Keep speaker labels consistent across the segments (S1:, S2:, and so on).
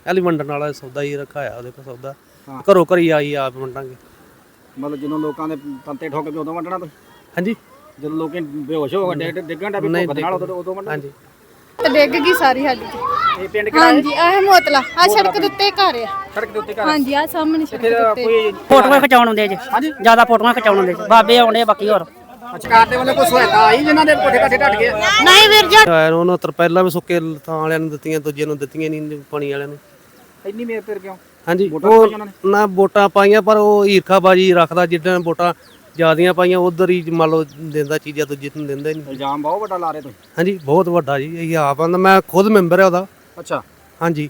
S1: Ally ਵੰਡਣ ਵਾਲਾ ਸੌਦਾ ਹੀ ਰਖਾਇਆ ਉਹਦੇ ਕੋਲ ਸੌਦਾ ਘਰੋਂ ਘਰੀ ਆਈ ਆਪ ਵੰਡਾਂਗੇ।
S2: ਮਤਲਬ ਜਦੋਂ ਲੋਕਾਂ ਦੇ ਤੰਤੇ ਠੋਕ ਕੇ ਉਦੋਂ ਵੰਡਣਾ ਤੁਸੀਂ?
S1: ਹਾਂਜੀ
S2: ਜਦੋਂ ਲੋਕੀ ਬੇਹੋਸ਼ ਹੋ ਗਏ ਡਿੱਗਣ ਦਾ ਵੀ ਭੁੱਖ ਨਾਲ ਉਦੋਂ ਵੰਡਣਾ?
S1: ਹਾਂਜੀ
S3: ਤੇ ਡਿੱਗ ਗਈ ਸਾਰੀ ਸਾਡੀ।
S2: ਇਹ ਪਿੰਡ ਕਿਹੜਾ ਹੈ?
S3: ਹਾਂਜੀ ਆਹ ਮੋਤਲਾ ਆ ਸੜਕ ਦੇ ਉੱਤੇ ਘਰ ਆ।
S2: ਸੜਕ ਦੇ ਉੱਤੇ ਘਰ?
S3: ਹਾਂਜੀ ਆ ਸਾਹਮਣੇ ਸੜਕ ਦੇ ਉੱਤੇ।
S2: ਕੋਈ
S4: ਫੋਟੋਆਂ ਖਿਚਾਉਣ ਆਉਂਦੇ ਜੇ ਜਿਆਦਾ ਫੋਟੋਆਂ ਖਿਚਾਉਣ ਆਉਂਦੇ ਬਾਬੇ ਆਉਂਦੇ ਬਾਕੀ ਹੋਰ
S2: ਸਰਕਾਰ ਦੇ ਵੱਲੋਂ ਕੋਈ ਸਹਾਇਤਾ ਆਈ ਜਿਨ੍ਹਾਂ ਦੇ ਕੋਠੇ ਕਾਠੇ ਢੱਟ ਗਏ?
S4: ਨਹੀਂ ਵੀਰ ਜੀ
S1: ਉਹਨਾਂ ਤਰਪੈਲਾਂ ਵੀ ਸੁੱਕੇ ਥਾਂ ਵਾਲਿਆਂ ਨੂੰ ਦਿੱਤੀਆਂ, ਦੂਜੇ ਨੂੰ ਦਿੱਤੀਆਂ ਨਹੀਂ ਪਾਣੀ ਵਾਲਿਆਂ ਨੂੰ।
S2: ਇੰਨੀ ਮੇਰ ਫਿਰ ਕਿਉਂ?
S1: ਹਾਂਜੀ ਉਹ ਨਾ ਵੋਟਾਂ ਪਾਈਆਂ ਪਰ ਉਹ ਈਰਖਾਬਾਜੀ ਰੱਖਦਾ, ਜਿੱਦਾਂ ਵੋਟਾਂ ਜ਼ਿਆਦੀਆਂ ਪਾਈਆਂ ਉਧਰ ਹੀ ਮੰਨ ਲਓ ਦਿੰਦਾ ਚੀਜ਼ਾਂ, ਦੂਜੇ ਨੂੰ ਦਿੰਦਾ ਹੀ ਨਹੀਂ।
S2: ਇਲਜ਼ਾਮ ਬਹੁਤ ਵੱਡਾ ਲਾ ਰਹੇ ਤੁਸੀਂ।
S1: ਹਾਂਜੀ ਬਹੁਤ ਵੱਡਾ ਜੀ, ਇਹ ਆਪ ਆਂਦਾ, ਮੈਂ ਖੁਦ ਮੈਂਬਰ ਆ ਉਹਦਾ।
S2: ਅੱਛਾ
S1: ਹਾਂਜੀ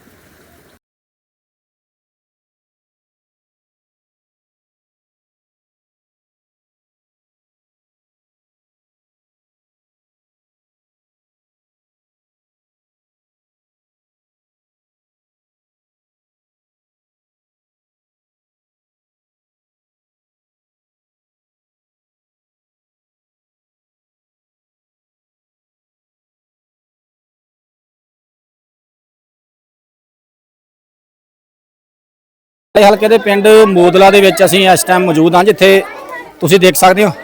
S2: ਹਲਕੇ ਦੇ ਪਿੰਡ ਮੋਦਲਾ ਦੇ ਵਿੱਚ ਅਸੀਂ ਇਸ ਟਾਈਮ ਮੌਜੂਦ ਹਾਂ, ਜਿੱਥੇ ਤੁਸੀਂ ਦੇਖ ਸਕਦੇ ਹੋ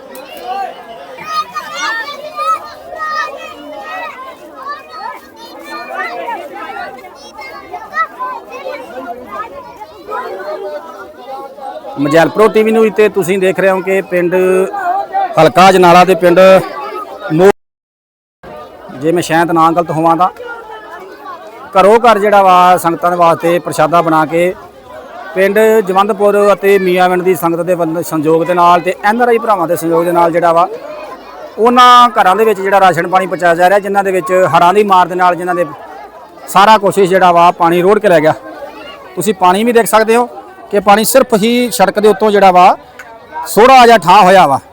S2: ਮਜੈਲਪੁਰ ਟੀਵੀ ਨੂੰ ਤੇ ਤੁਸੀਂ ਦੇਖ ਰਹੇ ਹੋ ਕਿ ਪਿੰਡ ਹਲਕਾ ਅਜਨਾਲਾ ਦੇ ਪਿੰਡ ਜੇ ਮੈਂ ਸ਼ਾਇਦ ਨਾ ਗਲਤ ਹੋਵਾਂ ਤਾਂ ਘਰੋਂ ਘਰ ਜਿਹੜਾ ਵਾ ਸੰਗਤਾਂ ਦੇ ਵਾਸਤੇ ਪ੍ਰਸ਼ਾਦਾ ਬਣਾ ਕੇ ਪਿੰਡ ਜਵੰਦਪੁਰ ਅਤੇ ਮੀਆਂਵਿੰਡ ਦੀ ਸੰਗਤ ਦੇ ਸੰਯੋਗ ਦੇ ਨਾਲ ਤੇ NRI ਭਰਾਵਾਂ ਦੇ ਸੰਯੋਗ ਦੇ ਨਾਲ ਜਿਹੜਾ ਵਾ ਉਹਨਾਂ ਘਰਾਂ ਦੇ ਵਿੱਚ ਜਿਹੜਾ ਰਾਸ਼ਨ ਪਾਣੀ ਪਹੁੰਚਾਇਆ ਜਾ ਰਿਹਾ, ਜਿਨ੍ਹਾਂ ਦੇ ਵਿੱਚ ਹੜ੍ਹਾਂ ਦੀ ਮਾਰ ਦੇ ਨਾਲ ਜਿਨ੍ਹਾਂ ਦੇ ਸਾਰਾ ਕੋਸ਼ਿਸ਼ ਜਿਹੜਾ ਵਾ ਪਾਣੀ ਰੋੜ ਕੇ ਰਹਿ ਗਿਆ। ਤੁਸੀਂ ਪਾਣੀ ਵੀ ਦੇਖ ਸਕਦੇ ਹੋ ਕਿ ਪਾਣੀ ਸਿਰਫ ਹੀ ਸੜਕ ਦੇ ਉੱਤੋਂ ਜਿਹੜਾ ਵਾ ਥੋੜਾ ਜਿਹਾ ਠਾਂ ਹੋਇਆ ਵਾ।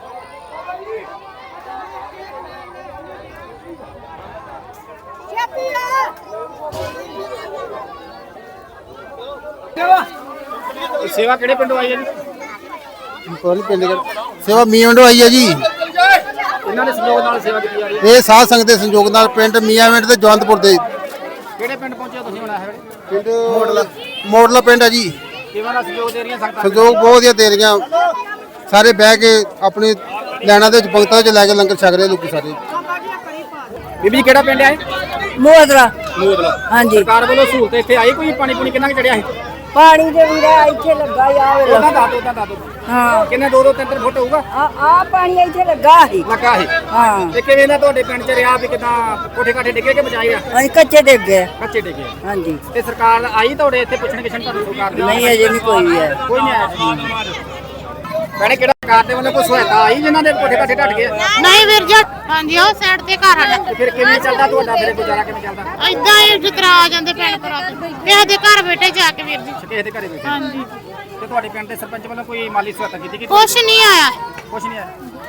S2: ਸੇਵਾ ਕਿਹੜੇ ਪਿੰਡੋਂ ਆਈ ਹੈ ਜੀ?
S5: ਕੋਲ ਪਿੰਡ ਸੇਵਾ ਮੀਆਂਵਿੰਡੋਂ ਆਈ ਹੈ ਜੀ।
S2: ਇਹਨਾਂ ਦੇ ਸੰਯੋਗ ਨਾਲ ਸੇਵਾ ਕੀਤੀ ਜਾ ਰਹੀ ਹੈ।
S5: ਇਹ ਸਾਧ ਸੰਗਤ ਦੇ ਸੰਯੋਗ ਨਾਲ ਪਿੰਡ ਮੀਆਂਵਿੰਡ ਤੇ ਜਵੰਦਪੁਰ ਦੇ
S2: ਕਿਹੜੇ ਪਿੰਡ ਪਹੁੰਚੇ ਤੁਸੀਂ ਹੁਣ ਇਹ ਵੇਲੇ?
S5: ਪਿੰਡ ਮੋਡਲਾ ਪਿੰਡ ਹੈ ਜੀ।
S2: ਕਿਵੇਂ ਦਾ ਸੰਯੋਗ ਦੇ ਰਹੀਆਂ ਸੰਗਤਾਂ?
S5: ਸੰਯੋਗ ਬਹੁਤ ਵਧੀਆ ਦੇ ਰਹੀਆਂ, ਸਾਰੇ ਬਹਿ ਕੇ ਆਪਣੀ ਲੈਣਾ ਦੇ ਵਿੱਚ ਪੰਕਤਾਂ 'ਚ ਲੈ ਕੇ ਲੰਗਰ ਛਕ ਰਹੇ ਲੋਕੀ ਸਾਰੇ।
S2: ਬੀਬੀ ਜੀ ਕਿਹੜਾ ਪਿੰਡ ਹੈ?
S4: ਮੋਦਲਾ
S2: ਮੋਦਲਾ।
S4: ਹਾਂਜੀ
S2: ਸਰਕਾਰ ਵੱਲੋਂ ਸਹੂਲਤ ਇੱਥੇ ਆਈ ਕੋਈ? ਪਾਣੀ ਪੂਣੀ ਕਿੰਨਾ ਕੁ ਚੜਿਆ ਸੀ?
S4: ਪਾਣੀ ਦੇ ਵੀਰਾ ਇੱਥੇ ਲੱਗਾ ਆ
S2: ਉਹਦਾ ਦੱਸ ਦਿਓ
S4: ਹਾਂ
S2: ਕਿੰਨੇ 2-3 ਫੁੱਟ ਹੋਊਗਾ?
S4: ਆ ਪਾਣੀ ਇੱਥੇ ਲੱਗਾ ਸੀ
S2: ਲੱਗਾ ਸੀ।
S4: ਹਾਂ
S2: ਤੇ ਕਿਵੇਂ ਦਾ ਤੁਹਾਡੇ ਪਿੰਡ 'ਚ ਰਿਹਾ ਵੀ ਕਿਦਾਂ ਕੋਠੇ ਕਾਠੇ ਡਿੱਗੇ ਕਿ ਬਚਾਏ ਆ?
S4: ਅਸੀਂ ਕੱਚੇ ਡਿੱਗ ਗਏ
S2: ਕੱਚੇ ਡਿੱਗੇ।
S4: ਹਾਂਜੀ
S2: ਤੇ ਸਰਕਾਰ ਆਈ ਤੁਹਾਡੇ ਇੱਥੇ ਪੁੱਛਣ ਕਿਛਣ ਤੁਹਾਨੂੰ ਸਰਕਾਰ ਦੀ?
S4: ਨਹੀਂ ਅਜੇ ਨਹੀਂ ਕੋਈ ਵੀ ਹੈ।
S2: ਕੋਈ ਨਹੀਂ ਆਇਆ। ਭੈਣੇ ਕਿਹੜਾ ਸਰਕਾਰ ਦੇ ਵੱਲੋਂ ਕੋਈ ਸਹਾਇਤਾ ਆਈ ਜਿਨ੍ਹਾਂ ਦੇ ਕੋਠੇ ਕਾਠੇ ਢੱਟ ਗਏ?
S6: ਨਹੀਂ ਵੀਰ ਜੀ ਹਾਂਜੀ ਉਹ ਸਾਈਡ ਤੇ ਘਰ ਆਣਾ
S2: ਤੇ ਫਿਰ ਕਿਵੇਂ ਚੱਲਦਾ ਤੁਹਾਡਾ, ਫਿਰ ਗੁਜ਼ਾਰਾ ਕਿਵੇਂ ਚੱਲਦਾ?
S6: ਇਦਾਂ ਹੀ ਜਿਤਰਾ ਆ ਜਾਂਦੇ ਭੈਣ ਭਰਾ ਕਿਸੇ ਦੇ ਘਰ ਬੈਠੇ ਜਾ ਕੇ ਵੀਰ ਜੀ।
S2: ਕਿਸੇ ਦੇ ਘਰੇ ਬੈਠੇ?
S6: ਹਾਂਜੀ
S2: ਤੇ ਤੁਹਾਡੇ ਪਿੰਡ ਦੇ ਸਰਪੰਚ ਵੱਲੋਂ ਕੋਈ ਮਾਲੀ ਸਹਾਇਤਾ ਕੀਤੀ ਕਿ
S6: ਕੁਛ ਨਹੀਂ ਆਇਆ।
S2: ਕੁਛ ਨਹੀਂ ਆਇਆ?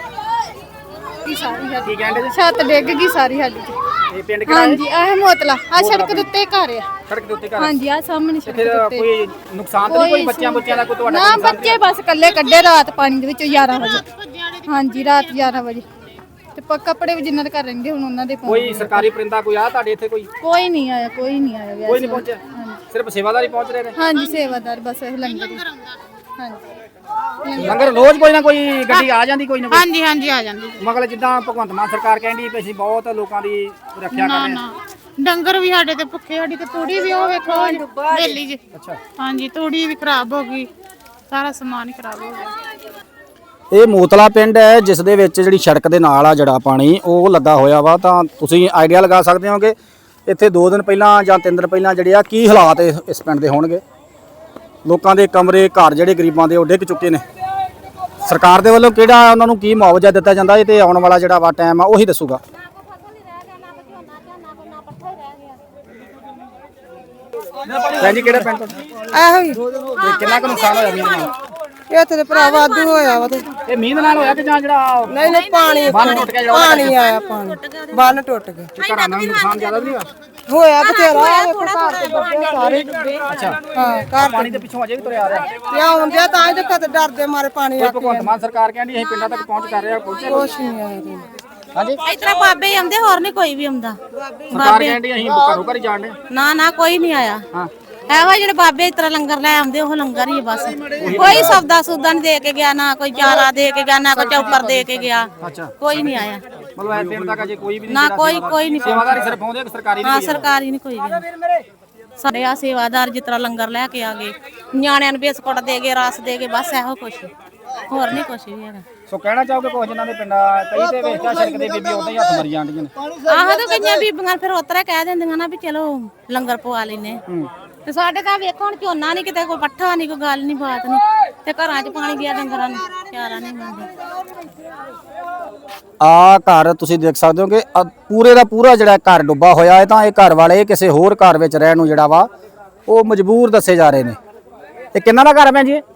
S3: ਸਾਰੀ
S2: ਕੀ ਕਹਿੰਦੇ ਜੀ?
S3: ਛੱਤ ਡਿੱਗ ਗਈ ਸਾਰੀ ਸਾਡੀ।
S2: ਇਹ ਪਿੰਡ ਕਿਹੜਾ ਹੈ?
S3: ਹਾਂਜੀ ਆਹ ਮੋਤਲਾ ਆ ਸੜਕ ਦੇ ਉੱਤੇ ਘਰ ਆ।
S2: ਸੜਕ ਦੇ ਉੱਤੇ ਘਰ?
S3: ਹਾਂਜੀ ਆ ਸਾਹਮਣੇ
S2: ਤੇ
S3: ਸੜਕ
S2: ਫਿਰ
S3: ਦੇ ਉੱਤੇ।
S2: ਕੋਈ ਨੁਕਸਾਨ ਤਾਂ ਨਹੀਂ ਕੋਈ ਬੱਚਿਆਂ ਦਾ ਕੋਈ ਤੁਹਾਡਾ?
S3: ਨਾ ਬੱਚੇ ਬਸ ਇਕੱਲੇ ਕੱਢੇ ਰਾਤ ਪਾਣੀ ਦੇ ਵਿੱਚੋਂ 11 ਵਜੇ। ਹਾਂਜੀ ਰਾਤ 11 ਵਜੇ ਤੇ ਕੱਪੜੇ ਵੀ ਜਿੰਨਾਂ ਦੇ ਘਰ ਰਹਿੰਦੇ ਹੁਣ ਉਹਨਾਂ ਦੇ
S2: ਕੋਈ ਸਰਕਾਰੀ ਪਰਿੰਦਾ ਕੋਈ ਆ ਤੁਹਾਡੇ ਇੱਥੇ?
S3: ਕੋਈ ਨਹੀਂ ਆਇਆ ਕੋਈ ਨਹੀਂ ਆਇਆ
S2: ਕੋਈ ਨਹੀਂ ਪਹੁੰਚਿਆ? ਸਿਰਫ ਸੇਵਾਦਾਰ ਹੀ ਪਹੁੰਚ ਰਹੇ ਨੇ?
S3: ਹਾਂਜੀ ਸੇਵਾਦਾਰ ਬਸ ਇਹ ਲੰਗਰ ਹੀ। ਹਾਂਜੀ
S2: ਲੰਗਰ ਰੋਜ਼ ਕੋਈ ਨਾ ਕੋਈ ਗੱਡੀ ਆ ਜਾਂਦੀ ਕੋਈ ਨਾ ਕੋਈ?
S6: ਹਾਂਜੀ ਹਾਂਜੀ ਆ ਜਾਂਦੀ
S2: ਮਗਰ ਜਿੱਦਾਂ ਭਗਵੰਤ ਮਾਨ ਸਰਕਾਰ ਕਹਿੰਦੀ ਵੀ ਅਸੀਂ ਬਹੁਤ ਲੋਕਾਂ ਦੀ ਰੱਖਿਆ ਕਰ ਰਹੇ
S6: ਨਾ
S2: ਹਾਂ।
S6: ਡੰਗਰ ਵੀ ਸਾਡੇ ਤੇ ਭੁੱਖੇ, ਸਾਡੀ ਤੇ ਤੂੜੀ ਵੀ ਉਹ ਵੇਖੋ ਵੇਲੀ ਜੀ।
S2: ਅੱਛਾ
S6: ਹਾਂਜੀ ਤੂੜੀ ਵੀ ਖਰਾਬ ਹੋ ਗਈ, ਸਾਰਾ ਸਮਾਨ ਹੀ ਖਰਾਬ ਹੋ ਗਿਆ।
S2: ਇਹ ਮੋਤਲਾ ਪਿੰਡ ਹੈ ਜਿਸ ਦੇ ਵਿੱਚ ਜਿਹੜੀ ਸੜਕ ਦੇ ਨਾਲ ਆ ਜਿਹੜਾ ਪਾਣੀ ਉਹ ਲੱਗਾ ਹੋਇਆ ਵਾ। ਤਾਂ ਤੁਸੀਂ ਆਈਡੀਆ ਲਗਾ ਸਕਦੇ ਹੋ ਕਿ ਇੱਥੇ 2 ਦਿਨ ਪਹਿਲਾਂ ਜਾਂ 3 ਦਿਨ ਪਹਿਲਾਂ ਜਿਹੜੇ ਆ ਕੀ ਹਾਲਾਤ ਇਸ ਪਿੰਡ ਦੇ ਹੋਣਗੇ। ਲੋਕਾਂ ਦੇ ਕਮਰੇ ਘਰ ਜਿਹੜੇ ਗਰੀਬਾਂ ਦੇ ਉਹ ਡਿੱਗ ਚੁੱਕੇ ਨੇ। ਸਰਕਾਰ ਦੇ ਵੱਲੋਂ ਕਿਹੜਾ ਉਹਨਾਂ ਨੂੰ ਕੀ ਮੁਆਵਜ਼ਾ ਦਿੱਤਾ ਜਾਂਦਾ ਇਹ ਤੇ ਆਉਣ ਵਾਲਾ ਜਿਹੜਾ ਵਾ ਟਾਈਮ ਆ ਉਹੀ ਦੱਸੂਗਾ। ਭੈਣ ਜੀ ਕਿਹੜਾ ਪਿੰਡ ਤੁਹਾਡਾ?
S7: ਆਹੋ ਹੀ
S2: ਤੇ ਕਿੰਨਾ ਕੁ ਨੁਕਸਾਨ ਹੋਇਆ ਮੀਂਹ ਨਾਲ?
S7: ਇੱਥੇ ਤੇ ਭਰਾ ਵਾਧੂ ਹੋਇਆ ਵਾ ਤੇ
S2: ਇਹ ਮੀਂਹ ਨਾਲ ਹੋਇਆ ਕਿ ਜਾਂ ਜਿਹੜਾ
S7: ਨਹੀਂ ਨਹੀਂ ਪਾਣੀ
S2: ਬੰਨ ਟੁੱਟ ਗਿਆ ਜਿਹੜਾ?
S7: ਪਾਣੀ ਆਇਆ ਪਾਣੀ ਬੰਨ ਟੁੱਟ ਗਿਆ
S2: ਤੇ ਘਰਾਂ ਦਾ ਨੁਕਸਾਨ ਜ਼ਿਆਦਾ ਨਹੀਂ ਹੋਇਆ?
S7: ਹੋਇਆ ਬਥੇਰਾ ਆਹ ਵੇਖੋ ਘਰ ਤੇ ਬੱਬੇ ਸਾਰੇ
S2: ਅੱਛਾ
S7: ਹਾਂ ਘਰ
S2: ਪਾਣੀ ਦੇ ਪਿੱਛੋਂ ਅਜੇ ਵੀ ਤੁਰਿਆ ਆ ਰਿਹਾ।
S7: ਤੇ ਆਉਂਦੇ ਤਾਂ ਇਹ ਦੇਖੋ ਤੇ ਡਰਦੇ ਮਾਰੇ ਪਾਣੀ ਆ ਕੇ
S2: ਭਗਵੰਤ ਮਾਨ ਸਰਕਾਰ ਕਹਿੰਦੀ ਅਸੀਂ ਪਿੰਡਾਂ ਤੱਕ ਪਹੁੰਚ ਕਰ ਰਹੇ ਹਾਂ, ਪਹੁੰਚੇ
S7: ਕੁਛ ਨਹੀਂ ਆਇਆ ਜੀ।
S2: ਹਾਂਜੀ
S8: ਇਤਰਾ ਬਾਬੇ ਹੀ ਆਉਂਦੇ, ਹੋਰ ਨਹੀਂ ਕੋਈ ਵੀ ਆਉਂਦਾ।
S2: ਸਰਕਾਰ ਕਹਿੰਦੀ ਅਸੀਂ ਘਰੋਂ ਘਰ ਹੀ ਜਾਣਦੇ
S8: ਨਾ ਨਾ ਕੋਈ ਨਹੀਂ ਆਇਆ।
S2: ਹਾਂ
S8: ਇਹੋ ਜਿਹੜੇ ਬਾਬੇ ਇਸ ਤਰ੍ਹਾਂ ਲੰਗਰ ਲੈ ਆਉਂਦੇ ਉਹ ਲੰਗਰ ਹੀ ਆ ਬਸ। ਕੋਈ ਸੌਦਾ ਸੁਦਾ ਨਹੀਂ ਦੇ ਕੇ ਗਿਆ, ਨਾ ਕੋਈ ਚਾਰਾ ਦੇ ਕੇ ਗਿਆ, ਨਾ ਕੋਈ ਚੌਪਰ ਦੇ ਕੇ ਗਿਆ, ਕੋਈ ਨਹੀਂ ਆਇਆ।
S2: ਮਤਲਬ ਇਹ ਪਿੰਡ ਤੱਕ ਅਜੇ ਕੋਈ ਵੀ ਨਹੀਂ
S8: ਨਾ ਕੋਈ ਨਹੀਂ
S2: ਸੇਵਾਦਾਰ ਸਿਰਫ ਆਉਂਦੇ ਕਿ ਸਰਕਾਰੀ
S8: ਹਾਂ ਸਰਕਾਰੀ ਨਹੀਂ ਕੋਈ ਵੀ। ਸਾਡੇ ਆ ਸੇਵਾਦਾਰ ਜਿਸ ਤਰ੍ਹਾਂ ਲੰਗਰ ਲੈ ਕੇ ਆ ਗਏ, ਨਿਆਣਿਆਂ ਨੂੰ ਬਿਸਕੁਟ ਦੇ ਗਏ, ਰਸ ਦੇ ਗਏ, ਬਸ ਇਹੋ ਕੁਛ, ਹੋਰ ਨਹੀਂ ਕੁਛ ਵੀ ਹੈਗਾ।
S2: ਸੋ ਕਹਿਣਾ ਚਾਹੋਗੇ ਕੁਝ ਜਿਨ੍ਹਾਂ ਦੇ ਪਿੰਡਾਂ ਕਈ ਤੇ ਵੇਖਿਆ ਸੜਕ ਦੇ ਬੀਬੀ ਉਦਾਂ ਹੀ ਹੱਥ ਮਰੀ ਜਾਂਦੀਆਂ ਨੇ।
S8: ਆਹ ਤਾਂ ਕਈਆਂ ਬੀਬੀਆਂ ਫਿਰ ਉਤਰਾ ਕਹਿ ਦਿੰਦੀਆਂ ਨਾ ਵੀ ਚਲੋ ਲੰਗਰ ਪਵਾ ਲੈਨੇ ਤੇ ਸਾਡੇ ਤਾਂ ਵੇਖੋ ਹੁਣ ਝੋਨਾ ਨਹੀਂ ਕਿਤੇ, ਕੋਈ ਪੱਠਾ ਨਹੀਂ, ਕੋਈ ਗੱਲ ਨਹੀਂ, ਬਾਤ ਨਹੀਂ, ਤੇ ਘਰਾਂ 'ਚ ਪਾਣੀ ਗਿਆ ਡੰਗਰਾਂ ਨੂੰ, ਚਾਰਾ ਨਹੀਂ ਮਿਲਦਾ।
S2: ਆ ਘਰ ਤੁਸੀਂ ਦੇਖ ਸਕਦੇ ਹੋ ਕਿ ਪੂਰੇ ਦਾ ਪੂਰਾ ਜਿਹੜਾ ਘਰ ਡੁੱਬਾ ਹੋਇਆ ਹੈ, ਤਾਂ ਇਹ ਘਰ ਵਾਲੇ ਕਿਸੇ ਹੋਰ ਘਰ ਵਿੱਚ ਰਹਿਣ ਨੂੰ ਜਿਹੜਾ ਵਾ ਉਹ ਮਜਬੂਰ ਦੱਸੇ ਜਾ ਰਹੇ ਨੇ। ਇਹ ਕਿੰਨਾ ਦਾ ਘਰ ਹੈ ਭੈਣ ਜੀ?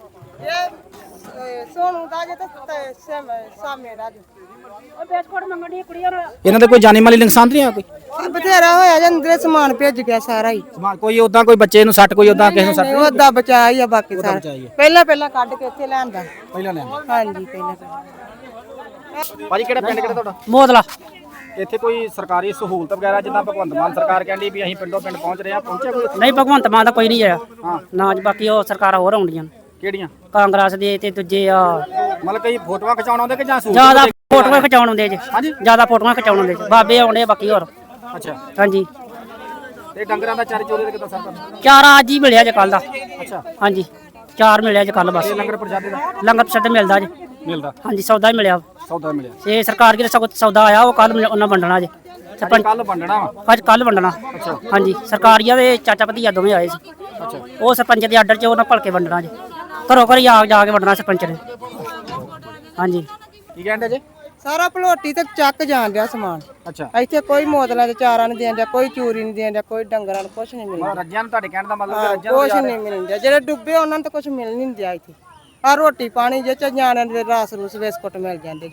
S7: ਸੋਨੂ ਦਾ ਜੇ ਤੇ ਸਾਮੇ ਦਾ ਜੇ
S2: ਇਹਨਾਂ ਦੇ ਕੋਈ ਜਾਨੀ ਮਾਲੀ ਨੁਕਸਾਨ ਨਹੀਂ ਆ ਕੋਈ?
S7: ਬਥੇਰਾ ਹੋਇਆ ਜੇ ਅੰਦਰੇ ਸਮਾਨ ਭੇਜ ਗਿਆ ਸਾਰਾ ਹੀ।
S2: ਸਮਾਨ ਕੋਈ ਉਦਾਂ ਕੋਈ ਬੱਚੇ ਨੂੰ ਸੱਟ, ਕੋਈ ਉਦਾਂ ਕਿਸੇ ਨੂੰ ਸੱਟ?
S7: ਉਹਦਾ ਬਚਾ ਹੀ ਆ ਬਾਕੀ ਸਾਰਾ। ਪਹਿਲਾਂ ਕੱਢ ਕੇ ਇੱਥੇ ਲਿਆਂਦਾ।
S2: ਪਹਿਲਾਂ ਲਿਆਂਦਾ?
S7: ਹਾਂਜੀ ਪਹਿਲਾਂ।
S2: ਭਾਜੀ ਕਿਹੜਾ ਪਿੰਡ ਕਿਹੜਾ ਤੁਹਾਡਾ?
S4: ਮੋਦਲਾ।
S2: ਇੱਥੇ ਕੋਈ ਸਰਕਾਰੀ ਸਹੂਲਤ ਵਗੈਰਾ ਜਿੱਦਾਂ ਭਗਵੰਤ ਮਾਨ ਸਰਕਾਰ ਕਹਿੰਦੀ ਵੀ ਅਸੀਂ ਪਿੰਡੋਂ ਪਿੰਡ ਪਹੁੰਚ ਰਹੇ ਹਾਂ, ਪਹੁੰਚਿਆ ਕੋਈ?
S4: ਨਹੀਂ ਭਗਵੰਤ ਮਾਨ ਦਾ ਕੋਈ ਨਹੀਂ ਆਇਆ। ਨਾ ਜੀ, ਬਾਕੀ ਉਹ ਸਰਕਾਰਾਂ ਹੋਰ ਆਉਂਦੀਆਂ ਨੇ।
S2: ਕਿਹੜੀਆਂ?
S4: ਕਾਂਗਰਸ ਦੇ ਤੇ ਦੂਜੇ ਆ
S2: ਮਤਲਬ ਕਈ ਫੋਟੋਆਂ ਖਿਚਾਉਣ ਆਉਂਦੇ ਕਿ ਜਾਂ ਸਹੂਲਤ?
S4: ਜਿਆਦਾ ਫੋਟੋਆਂ ਖਿਚਾਉਣ ਆਉਂਦੇ ਜੀ।
S2: ਹਾਂਜੀ,
S4: ਜਿਆਦਾ ਫੋਟੋਆਂ ਖਿਚਾਉਣ ਆਉਂਦੇ ਜੀ। ਬਾਬੇ ਆਉਂਦੇ ਬਾਕੀ ਹੋਰ।
S2: ਅੱਛਾ।
S4: ਹਾਂਜੀ।
S2: ਤੇ ਡੰਗਰਾਂ ਦਾ ਚਾਰੇ ਚੋਰੇ ਦੇ ਕਿੱਦਾਂ ਸਰਕਾਰ?
S4: ਚਾਰਾ ਅੱਜ ਹੀ ਮਿਲਿਆ ਜੇ ਕੱਲ ਦਾ।
S2: ਅੱਛਾ।
S4: ਹਾਂਜੀ, ਚਾਰ ਮਿਲਿਆ ਜੇ ਕੱਲ ਬਸ।
S2: ਤੇ ਲੰਗਰ ਪ੍ਰਸ਼ਾਦੇ ਦਾ?
S4: ਲੰਗਰ ਪ੍ਰਸ਼ਾਦੇ ਮਿਲਦਾ ਜੀ।
S2: ਮਿਲਦਾ?
S4: ਹਾਂਜੀ, ਸੌਦਾ ਹੀ ਮਿਲਿਆ।
S2: ਸੌਦਾ ਮਿਲਿਆ?
S4: ਇਹ ਸਰਕਾਰ ਕੀ ਸੌਦਾ ਆਇਆ ਉਹ ਕੱਲ ਉਹਨਾਂ ਵੰਡਣਾ ਜੇ। ਸਰਪੰਚ
S2: ਕੱਲ ਵੰਡਣਾ ਵਾ?
S4: ਅੱਜ ਕੱਲ ਵੰਡਣਾ।
S2: ਅੱਛਾ।
S4: ਹਾਂਜੀ, ਸਰਕਾਰੀਆ ਦੇ ਚਾਚਾ ਭਤੀਜਾ ਦੋਵੇਂ ਆਏ ਸੀ।
S2: ਅੱਛਾ।
S4: ਉਹ ਸਰਪੰਚ ਦੇ ਆਰਡਰ 'ਚ ਉਹਨਾਂ ਭਲਕੇ ਵੰਡਣਾ ਜੇ। ਘਰੋਂ ਘਰ ਜਾ ਕੇ ਵੰਡਣਾ ਸਰਪੰਚ ਨੇ। ਹਾਂਜੀ।
S2: ਕੀ ਕਹਿੰਦੇ ਜੀ?
S7: ਸਾਰਾ ਭਲੋਟੀ ਤੇ ਚੱਕ ਜਾਣ ਡਿਆ ਸਮਾਨ।
S2: ਅੱਛਾ।
S7: ਇੱਥੇ ਕੋਈ ਮੋਦਲਾਂ ਤੇ ਚਾਰਾ ਨਹੀਂ ਦੇਣ ਡਿਆ, ਕੋਈ ਚੂਰੀ ਨਹੀਂ ਦੇਣ ਡਿਆ, ਕੋਈ ਡੰਗਰਾਂ ਨੂੰ ਕੁਛ ਨਹੀਂ ਮਿਲਦਾ।
S2: ਰੱਜਿਆਂ ਨੂੰ ਤੁਹਾਡੇ ਕਹਿਣ ਦਾ ਮਤਲਬ ਕਿ ਰੱਜਿਆਂ ਨੂੰ
S7: ਕੁਛ ਨਹੀਂ ਮਿਲਦਾ। ਜਿਹੜੇ ਡੁੱਬੇ ਉਹਨਾਂ ਨੂੰ ਤਾਂ ਕੁਛ ਮਿਲ ਨਹੀਂ ਦਿਆ ਇੱਥੇ। ਆ ਰੋਟੀ ਪਾਣੀ ਜੇ ਚ ਨਿਆਣਿਆਂ ਦੇ ਰਸ ਰੂਸ ਬਿਸਕੁਟ ਮਿਲ ਜਾਂਦੇ ਜੀ।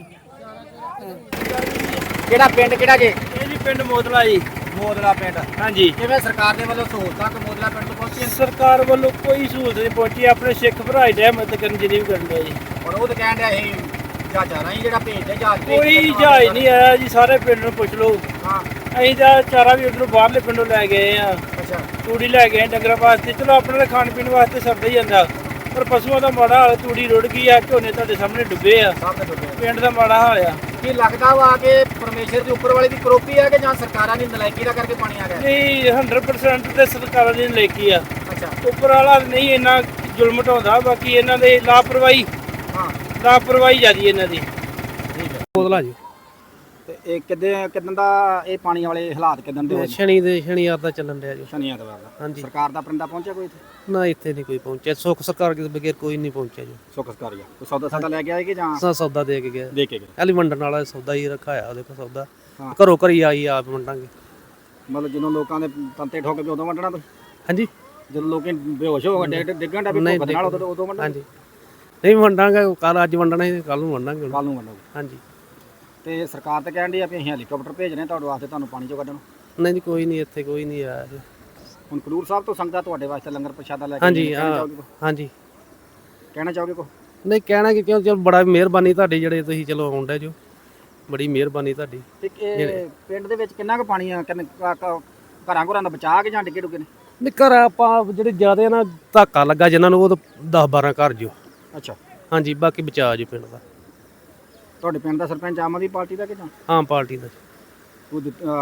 S2: ਕਿਹੜਾ ਪਿੰਡ ਕਿਹੜਾ ਜੀ?
S1: ਇਹ ਜੀ ਪਿੰਡ ਮੋਦਲਾ ਜੀ।
S2: ਮੋਦਲਾ ਪਿੰਡ।
S1: ਹਾਂਜੀ।
S2: ਕਿਵੇਂ ਸਰਕਾਰ ਦੇ ਵੱਲੋਂ ਸਹੂਲਤਾਂ ਕਿ ਮੋਦਲਾ ਪਿੰਡ ਤੋਂ ਪਹੁੰਚੀਆਂ?
S1: ਸਰਕਾਰ ਵੱਲੋਂ ਕੋਈ ਸਹੂਲਤ ਨਹੀਂ ਪਹੁੰਚੀ। ਆਪਣੇ ਸਿੱਖ ਭਰਾ ਹੀ ਮਦਦ ਕਰਨ ਜਿਹੜੀ ਵੀ ਕਰਨ ਡਿਆ ਜੀ।
S2: ਹੁਣ ਉਹ ਤਾਂ ਕਹਿਣ ਡਿਆ ਇਹ ਜਹਾਜ਼ਾਂ ਰਾਹੀਂ ਜਿਹੜਾ ਭੇਜਦੇ ਜਹਾਜ਼
S1: ਕੋਈ ਜਹਾਜ਼ ਨਹੀਂ ਆਇਆ ਜੀ। ਸਾਰੇ ਪਿੰਡ ਨੂੰ ਪੁੱਛ ਲਓ।
S2: ਹਾਂ।
S1: ਅਸੀਂ ਤਾਂ ਚਾਰਾ ਵੀ ਉਧਰੋਂ ਬਾਹਰਲੇ ਪਿੰਡੋਂ ਲੈ ਗਏ ਆ।
S2: ਅੱਛਾ।
S1: ਤੂੜੀ ਲੈ ਗਏ ਡੰਗਰਾਂ ਵਾਸਤੇ। ਚਲੋ ਆਪਣੇ ਤਾਂ ਖਾਣ ਪੀਣ ਵਾਸਤੇ ਸਰਦਾ ਹੀ ਜਾਂਦਾ, ਪਰ ਪਸ਼ੂਆਂ ਦਾ ਮਾੜਾ ਹਾਲ। ਤੂੜੀ ਰੁੜ ਗਈ ਆ, ਝੋਨੇ ਤੁਹਾਡੇ ਸਾਹਮਣੇ ਡੁੱਬੇ ਆ। ਪਿੰਡ ਦਾ ਮਾੜਾ ਹਾਲ ਆ।
S2: ਕੀ ਲੱਗਦਾ ਵਾ ਕਿ ਪਰਮੇਸ਼ਰ ਦੀ ਉੱਪਰ ਵਾਲੀ ਦੀ ਕਰੋਪੀ ਆ ਕਿ ਜਾਂ ਸਰਕਾਰਾਂ ਦੀ ਨਲਾਇਕੀ ਦਾ ਕਰਕੇ ਪਾਣੀ ਆ ਗਿਆ?
S1: ਨਹੀਂ, 100% ਤੇ ਸਰਕਾਰਾਂ ਦੀ ਨਲਾਇਕੀ ਆ।
S2: ਅੱਛਾ।
S1: ਉੱਪਰ ਵਾਲਾ ਨਹੀਂ ਇੰਨਾ ਜ਼ੁਲਮ ਢਾਉਂਦਾ, ਬਾਕੀ ਇਹਨਾਂ ਦੇ ਲਾਪਰਵਾਹੀ।
S2: ਹਾਂ,
S1: ਲਾਪਰਵਾਹੀ ਜ਼ਿਆਦੀ ਇਹਨਾਂ ਦੀ।
S2: ਠੀਕ ਹੈ।
S1: ਬੋਦਲਾ ਜੀ।
S2: ਤੇ ਇਹ ਕਿਦਾਂ ਦਾ ਇਹ ਪਾਣੀ ਵਾਲੇ ਹਾਲਾਤ ਕਿਦਾਂ ਦੇ ਹੋਏ?
S1: ਸ਼ਨੀਵਾਰ ਦਾ ਚੱਲਣ ਰਿਹਾ ਜੀ।
S2: ਸ਼ਨੀ ਐਤਵਾਰ ਦਾ?
S1: ਹਾਂਜੀ।
S2: ਸਰਕਾਰ ਦਾ ਪਰਿੰਦਾ ਪਹੁੰਚਿਆ ਕੋਈ ਇੱਥੇ?
S1: ਨਾ, ਇੱਥੇ ਨਹੀਂ ਕੋਈ ਪਹੁੰਚਿਆ। ਸੁੱਖ ਸਰਕਾਰ ਦੇ ਬਗੈਰ ਕੋਈ ਨਹੀਂ ਪਹੁੰਚਿਆ ਜੀ।
S2: ਸੁੱਖ ਸਰਕਾਰੀ ਕੋਈ ਸੌਦਾ ਲੈ ਕੇ ਆਏ ਕਿ ਜਾਂ
S1: ਸੌਦਾ ਦੇ ਕੇ ਗਿਆ?
S2: ਦੇ ਕੇ ਗਏ।
S1: ਹਾਲੀ ਵੰਡਣ ਵਾਲਾ ਸੌਦਾ ਹੀ ਰਖਾਇਆ ਉਹਦੇ ਕੋਲ। ਸੌਦਾ
S2: ਹਾਂ।
S1: ਘਰੋਂ ਘਰੀ ਆਈ ਆਪ ਵੰਡਾਂਗੇ।
S2: ਮਤਲਬ ਜਦੋਂ ਲੋਕਾਂ ਦੇ ਤੰਤੇ ਠੋਕ ਕੇ ਉਦੋਂ ਵੰਡਣਾ ਤੁਸੀਂ?
S1: ਹਾਂਜੀ।
S2: ਜਦੋਂ ਲੋਕੀ ਬੇਹੋਸ਼ ਹੋ ਗਏ ਡਿੱਗਣ ਦਾ ਵੀ ਭੁੱਖ ਨਾਲ ਉਦੋਂ ਵੰਡਣਾ?
S1: ਹਾਂਜੀ। ਨਹੀਂ ਵੰਡਾਂਗੇ। ਕੱਲ ਅੱਜ ਵੰਡਣਾ ਸੀ, ਕੱਲ ਨੂੰ ਵੰਡਾਂਗੇ।
S2: ਕੱਲ ਨੂੰ ਵੰਡੋਗੇ?
S1: ਹਾਂਜੀ।
S2: ਤੇ ਸਰਕਾਰ ਤਾਂ ਕਹਿਣ ਡਈ ਆ ਵੀ ਅਸੀਂ ਹੈਲੀਕਾਪਟਰ ਭੇਜ ਰਹੇ ਤੁਹਾਡੇ ਵਾਸਤੇ, ਤੁਹਾਨੂੰ ਪਾਣੀ ਚੋਂ ਕੱਢਣ।
S1: ਨਹੀਂ ਜੀ, ਕੋਈ ਨਹੀਂ, ਇੱਥੇ ਕੋਈ ਨਹੀਂ ਆਇਆ ਜੀ।
S2: ਹੁਣ ਖਡੂਰ ਸਾਹਿਬ ਤੋਂ ਸੰਗਤਾਂ ਤੁਹਾਡੇ ਵਾਸਤੇ ਲੰਗਰ ਪ੍ਰਸ਼ਾਦਾ ਲੈ ਕੇ
S1: ਹਾਂਜੀ।
S2: ਹਾਂਜੀ। ਕਹਿਣਾ ਚਾਹੋਗੇ ਕੋ?
S1: ਨਹੀਂ, ਕਹਿਣਾ ਕਿ ਕਿਉਂ, ਚਲ ਬੜਾ ਮਿਹਰਬਾਨੀ ਤੁਹਾਡੀ ਜਿਹੜੇ ਤੁਸੀਂ ਚਲੋ ਆਉਂਦੇ ਜੋ। ਬੜੀ ਮਿਹਰਬਾਨੀ ਤੁਹਾਡੀ।
S2: ਤੇ ਇਹ ਪਿੰਡ ਦੇ ਵਿੱਚ ਕਿੰਨਾ ਕੁ ਪਾਣੀ ਆ? ਘਰਾਂ ਘਰਾਂ ਦਾ ਬਚਾ ਕੇ ਜਾਂ ਡਿੱਗੇ ਡੁੱਗੇ ਨੇ?
S1: ਨਹੀਂ, ਘਰ ਆਪਾਂ ਜਿਹੜੇ ਜ਼ਿਆਦਾ ਨਾ ਧਾਕਾ ਲੱਗਾ ਜਿਨ੍ਹਾਂ ਨੂੰ, ਉਹ 10-12 ਘਰ ਜੋ।
S2: ਅੱਛਾ।
S1: ਹਾਂਜੀ, ਬਾਕੀ ਬਚਾ ਜੋ ਪਿੰਡ ਦਾ।
S2: ਤੁਹਾਡੇ ਪਿੰਡ ਦਾ ਸਰਪੰਚ ਆਮ ਆਦਮੀ ਪਾਰਟੀ ਦਾ ਕਿ ਜਾਂ
S1: ਆਮ ਪਾਰਟੀ ਦਾ?
S2: ਉਹ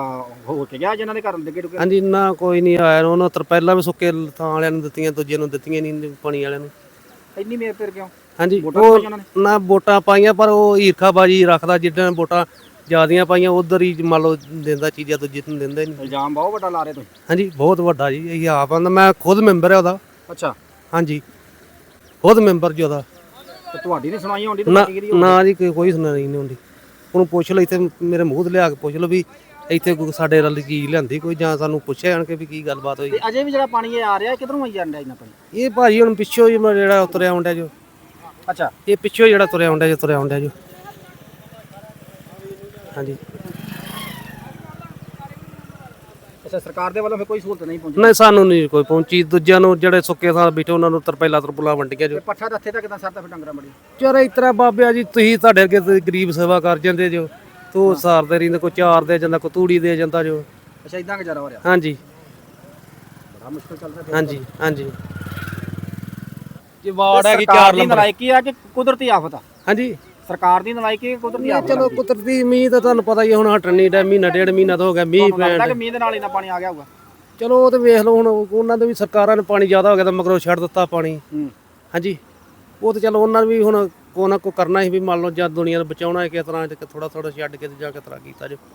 S2: ਹੋ ਕੇ ਗਿਆ ਜਿਨ੍ਹਾਂ ਦੇ ਘਰ ਡਿੱਗੇ ਡੁੱਗੇ?
S1: ਹਾਂਜੀ। ਨਾ, ਕੋਈ ਨਹੀਂ ਆਇਆ। ਉਹਨਾਂ ਤਰਪੈਲਾਂ ਵੀ ਸੁੱਕੇ ਥਾਂ ਵਾਲਿਆਂ ਨੂੰ ਦਿੱਤੀਆਂ, ਦੂਜਿਆਂ ਨੂੰ ਦਿੱਤੀਆਂ ਨਹੀਂ, ਪਾਣੀ ਵਾਲਿਆਂ ਨੂੰ।
S2: ਇੰਨੀ ਮੇਰ ਫਿਰ ਕਿਉਂ?
S1: ਹਾਂਜੀ।
S2: ਵੋਟਾਂ ਪਾਈਆਂ ਉਹਨਾਂ ਨੇ?
S1: ਨਾ, ਵੋਟਾਂ ਪਾਈਆਂ, ਪਰ ਉਹ ਈਰਖਾਬਾਜੀ ਰੱਖਦਾ। ਜਿੱਦਾਂ ਵੋਟਾਂ ਜ਼ਿਆਦੀਆਂ ਪਾਈਆਂ ਉਧਰ ਹੀ ਮੰਨ ਲਓ ਦਿੰਦਾ ਚੀਜ਼ਾਂ, ਦੂਜੇ ਨੂੰ ਦਿੰਦਾ ਹੀ ਨਹੀਂ।
S2: ਇਲਜ਼ਾਮ ਬਹੁਤ ਵੱਡਾ ਲਾ ਰਹੇ ਤੁਸੀਂ।
S1: ਹਾਂਜੀ, ਬਹੁਤ ਵੱਡਾ ਜੀ। ਇਹ ਆਪ ਆਂਦਾ, ਮੈਂ ਖੁਦ ਮੈਂਬਰ ਹੈ ਉਹਦਾ।
S2: ਅੱਛਾ।
S1: ਹਾਂਜੀ, ਖੁਦ ਮੈਂਬਰ ਜੀ ਉਹਦਾ।
S2: ਤੇ ਤੁਹਾਡੀ ਨਹੀਂ ਸੁਣਾਈ ਹੁੰਦੀ?
S1: ਨਾ ਜੀ, ਕੋਈ ਸੁਣਾਈ ਨਹੀਂ ਹੁੰਦੀ। ਉਹਨੂੰ ਪੁੱਛ ਲਓ, ਇੱਥੇ ਮੇਰੇ ਮੂੰਹ ਤੇ ਲਿਆ ਕੇ ਪੁੱਛ ਲਓ ਵੀ ਇੱਥੇ ਸਾਡੇ ਨਾਲ ਕੀ ਲਿਆਂਦੀ ਕੋਈ, ਜਾਂ ਸਾਨੂੰ ਪੁੱਛਿਆ ਜਾਣ ਕੇ ਵੀ ਕੀ ਗੱਲਬਾਤ ਹੋਈ।
S2: ਅਜੇ ਵੀ ਜਿਹੜਾ ਪਾਣੀ ਇਹ ਆ ਰਿਹਾ ਕਿਧਰੋਂ ਆਈ ਜਾਂਦਾ ਇਹਨਾਂ ਪਾਣੀ?
S1: ਇਹ ਭਾਜੀ ਹੁਣ ਪਿੱਛੋਂ ਹੀ ਜਿਹੜਾ ਤੁਰਿਆ ਆਉਂਦਾ ਜੋ।
S2: ਅੱਛਾ।
S1: ਇਹ ਪਿੱਛੋਂ ਜਿਹੜਾ ਤੁਰਿਆ ਆਉਂਦਾ ਜੋ। ਹਾਂਜੀ।
S2: ਅੱਛਾ। ਸਰਕਾਰ ਦੇ ਵੱਲੋਂ ਫਿਰ ਕੋਈ ਸਹੂਲਤ ਨਹੀਂ ਪਹੁੰਚੀ?
S1: ਨਹੀਂ, ਸਾਨੂੰ ਨਹੀਂ ਕੋਈ ਪਹੁੰਚੀ। ਦੂਜਿਆਂ ਨੂੰ ਜਿਹੜੇ ਸੁੱਕੇ ਥਾਂ ਬੈਠੇ ਉਹਨਾਂ ਨੂੰ ਤਰਪੈਲਾ ਵੰਡੀਆਂ ਜੋ।
S2: ਪੱਠਾ ਦੱਥੇ ਤਾਂ ਕਿਦਾਂ ਸਰਦਾ ਫਿਰ ਡੰਗਰਾਂ ਬੜੀ?
S1: ਚਾਰੇ ਇਸ ਤਰ੍ਹਾਂ ਬਾਬਿਆ ਜੀ, ਤੁਸੀਂ ਤੁਹਾਡੇ ਅੱਗੇ ਗਰੀਬ ਸੇਵਾ ਕਰ ਜਾਂਦੇ ਜੋ, ਤੂੰ ਸਾਰਦੇ ਰਹਿੰਦੇ। ਕੋਈ ਚਾਰ ਦੇ ਜਾਂਦਾ, ਕੋਈ ਤੂੜੀ ਦੇ ਜਾਂਦਾ ਜੋ।
S2: ਅੱਛਾ, ਇਦਾਂ ਗੁਜ਼ਾਰਾ ਹੋ ਰਿਹਾ?
S1: ਹਾਂਜੀ।
S2: ਮੁਸ਼ਕਲ ਚੱਲਦਾ
S9: ਹਾਂਜੀ ਹਾਂਜੀ ਜੀ ਵਾਰਡ ਹੈਗੀ 4 ਨੰਬਰ
S2: ਨਲਾਇਕੀ ਆ ਕਿ ਕੁਦਰਤੀ ਆਫਤ ਆ?
S9: ਹਾਂਜੀ
S2: ਸਰਕਾਰ ਦੀ ਨਲਾਇਕੀ ਕਿ ਕੁਦਰਤੀ ਆਫਤ?
S9: ਚਲੋ ਕੁਦਰਤੀ ਮੀਂਹ ਤਾਂ ਤੁਹਾਨੂੰ ਪਤਾ ਹੀ ਆ, ਹੁਣ ਹਟਣ ਨਹੀਂ ਡਿਆ, ਮਹੀਨਾ ਡੇਢ ਮਹੀਨਾ ਤਾਂ ਹੋ ਗਿਆ ਮੀਂਹ ਪੈਣ
S2: ਲੱਗਦਾ
S9: ਡਿਆ।
S2: ਕਿ ਮੀਂਹ ਦੇ ਨਾਲ ਇੰਨਾ ਪਾਣੀ ਆ ਗਿਆ ਹੋਊਗਾ।
S9: ਚਲੋ ਉਹ ਤੇ ਵੇਖ ਲਓ, ਹੁਣ ਉਹਨਾਂ ਦੇ ਵੀ ਸਰਕਾਰਾਂ ਨੇ ਪਾਣੀ ਜ਼ਿਆਦਾ ਹੋ ਗਿਆ ਤਾਂ ਮਗਰੋਂ ਛੱਡ ਦਿੱਤਾ ਪਾਣੀ। ਹਾਂਜੀ ਉਹ ਤਾਂ ਚਲੋ ਉਹਨਾਂ ਨੇ ਵੀ ਹੁਣ ਕੋ ਨਾ ਕੋ ਕਰਨਾ ਸੀ ਵੀ ਮੰਨ ਲਓ ਜਦ ਦੁਨੀਆ ਨੂੰ ਬਚਾਉਣਾ ਹੈ ਕਿਸ ਤਰ੍ਹਾਂ ਥੋੜਾ ਥੋੜਾ ਛੱਡ ਕੇ ਤੇ ਜਾ ਕੇ ਤਰ੍ਹਾਂ ਕੀਤਾ ਜੋ।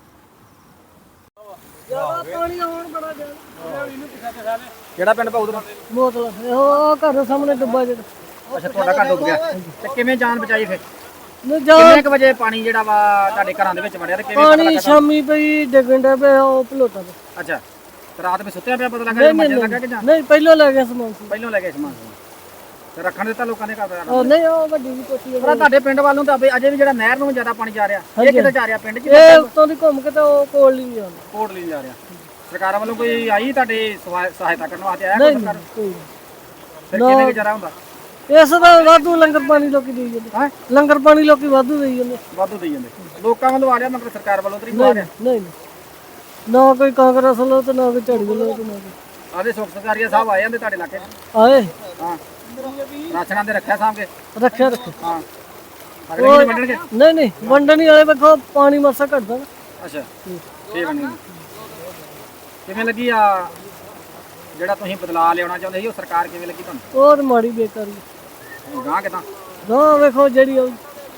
S2: ਕਿਹੜਾ ਪਿੰਡ ਪਾਉ ਤੇਰਾ?
S7: ਬੋਤਲ ਉਹ ਘਰ ਸਾਹਮਣੇ ਡੁੱਬਾ ਜਿਹੜਾ
S2: ਅੱਛਾ ਤੁਹਾਡਾ ਘਰ ਡੁੱਬ ਗਿਆ ਤੇ ਕਿਵੇਂ ਜਾਨ ਬਚਾਈ ਫਿਰ?
S7: ਜਾ
S2: ਕਿੰਨੇ ਕੁ ਵਜੇ ਪਾਣੀ ਜਿਹੜਾ ਵਾ ਤੁਹਾਡੇ ਘਰਾਂ ਦੇ ਵਿੱਚ ਵੜਿਆ ਤੇ ਕਿਵੇਂ ਪਤਾ
S7: ਪਾਣੀ
S2: ਲੱਗਾ?
S7: ਸ਼ਾਮੀ ਪਈ ਡਿੱਗਣ ਡਾ ਪਿਆ ਉਹ ਭਲੋਟਾ ਤੇ
S2: ਅੱਛਾ ਤੇ ਰਾਤ ਵਿੱਚ ਸੁੱਤਿਆ ਪਿਆ ਪਤਾ ਲੱਗਾ ਜਾਂ ਮੱਜਣ ਲੱਗਾ ਕਿ ਜਾਂ
S7: ਨਹੀਂ ਪਹਿਲਾਂ ਲੈ ਗਿਆ ਸਮਾਨ ਸੀ।
S2: ਪਹਿਲਾਂ ਲੈ ਗਏ ਸਮਾਨ ਤੇ ਰੱਖਣ ਦਿੱਤਾ ਲੋਕਾਂ ਨੇ ਘਰ?
S7: ਉਹ ਨਹੀਂ ਉਹ ਵੱਡੀ ਵੀ ਕੋਠੀ
S2: ਪਰ ਤੁਹਾਡੇ ਪਿੰਡ ਵੱਲੋਂ ਤਾਂ ਅਜੇ ਵੀ ਜਿਹੜਾ ਨਹਿਰ ਨੂੰ ਜ਼ਿਆਦਾ ਪਾਣੀ ਜਾ ਰਿਹਾ, ਇਹ ਕਿੱਥੇ ਜਾ ਰਿਹਾ ਪਿੰਡ 'ਚ?
S7: ਇਹ ਉੱਤੋਂ ਦੀ ਘੁੰਮ ਕੇ ਤਾਂ ਉਹ ਕੋਲ ਨਹੀਂ ਆਉਂਦਾ।
S2: ਕੋਟ ਲਈ ਜਾ ਰਿਹਾ। ਸਰਕਾਰਾਂ ਵੱਲੋਂ ਕੋਈ ਆਈ ਤੁਹਾਡੇ ਸਹਾਇਤਾ ਕਰਨ ਵਾਸਤੇ ਆਇਆ
S7: ਨਹੀਂ
S2: ਕੋਈ ਸਰਕਾਰ?
S7: ਕੋਈ ਨਹੀਂ।
S2: ਫਿਰ ਕਿਵੇਂ ਗੁਜ਼ਾਰਾ ਹੁੰਦਾ?
S7: ਇਸ ਦਾ ਵਾਧੂ ਲੰਗਰ ਪਾਣੀ ਲੋਕੀ ਦੇਈ ਜਾਂਦੇ।
S2: ਹੈਂ?
S7: ਲੰਗਰ ਪਾਣੀ ਲੋਕੀ ਵਾਧੂ ਦੇਈ ਜਾਂਦੇ।
S2: ਵਾਧੂ ਦੇਈ ਜਾਂਦੇ ਲੋਕਾਂ ਵੱਲੋਂ ਆ ਰਿਹਾ, ਮਗਰ ਸਰਕਾਰ ਵੱਲੋਂ ਤਾਂ ਨਹੀਂ ਆ ਰਿਹਾ।
S7: ਨਹੀਂ ਨਾ ਕੋਈ ਕਾਂਗਰਸ ਵੱਲੋਂ ਤੇ ਨਾ ਕੋਈ ਝਾੜੂ ਵੱਲੋਂ ਤੇ ਨਾ ਕੋਈ
S2: ਆਦੇ ਸੁਖ ਸਰਕਾਰੀਆ ਸਾਹਿਬ ਆਏ ਜਾਂਦੇ ਤੁਹਾਡੇ ਇਲਾਕੇ 'ਚ?
S7: ਆਏ
S2: ਹਾਂ ਰਾਸ਼ਨਾਂ ਦੇ ਰੱਖਿਆ ਸਾਂਭ ਕੇ?
S7: ਰੱਖਿਆ
S2: ਹਾਂ ਅਗਲੇ ਮਹੀਨੇ ਵੰਡਣਗੇ?
S7: ਨਹੀਂ ਵੰਡਣੀ ਵਾਲੇ ਵੇਖੋ ਪਾਣੀ ਮਰਸਾ ਘਟਦਾ ਨਾ।
S2: ਅੱਛਾ ਠੀਕ ਹੈ। ਕਿਵੇਂ ਲੱਗੀ ਆ ਜਿਹੜਾ ਤੁਸੀਂ ਬਦਲਾਅ ਲਿਆਉਣਾ ਚਾਹੁੰਦੇ ਸੀ, ਉਹ ਸਰਕਾਰ ਕਿਵੇਂ ਲੱਗੀ ਤੁਹਾਨੂੰ?
S7: ਉਹ ਤੇ ਮਾੜੀ ਬੇਕਾਰੀ
S2: ਗਾਂ ਕਿਦਾਂ?
S7: ਨਾ ਵੇਖੋ ਜਿਹੜੀ ਉਹ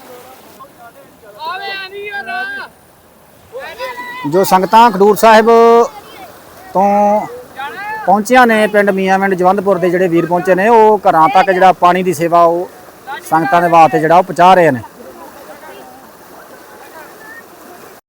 S2: ਜੋ ਸੰਗਤਾਂ ਖਡੂਰ ਸਾਹਿਬ ਤੋਂ ਪਹੁੰਚੀਆਂ ਨੇ ਪਿੰਡ ਮੀਆਂਵਿੰਡ ਜਵੰਦਪੁਰ ਦੇ ਜਿਹੜੇ ਵੀਰ ਪਹੁੰਚੇ ਨੇ, ਉਹ ਘਰਾਂ ਤੱਕ ਜਿਹੜਾ ਪਾਣੀ ਦੀ ਸੇਵਾ ਉਹ ਸੰਗਤਾਂ ਦੇ ਵਾਸਤੇ ਜਿਹੜਾ ਉਹ ਪਹੁੰਚਾ ਰਹੇ ਨੇ।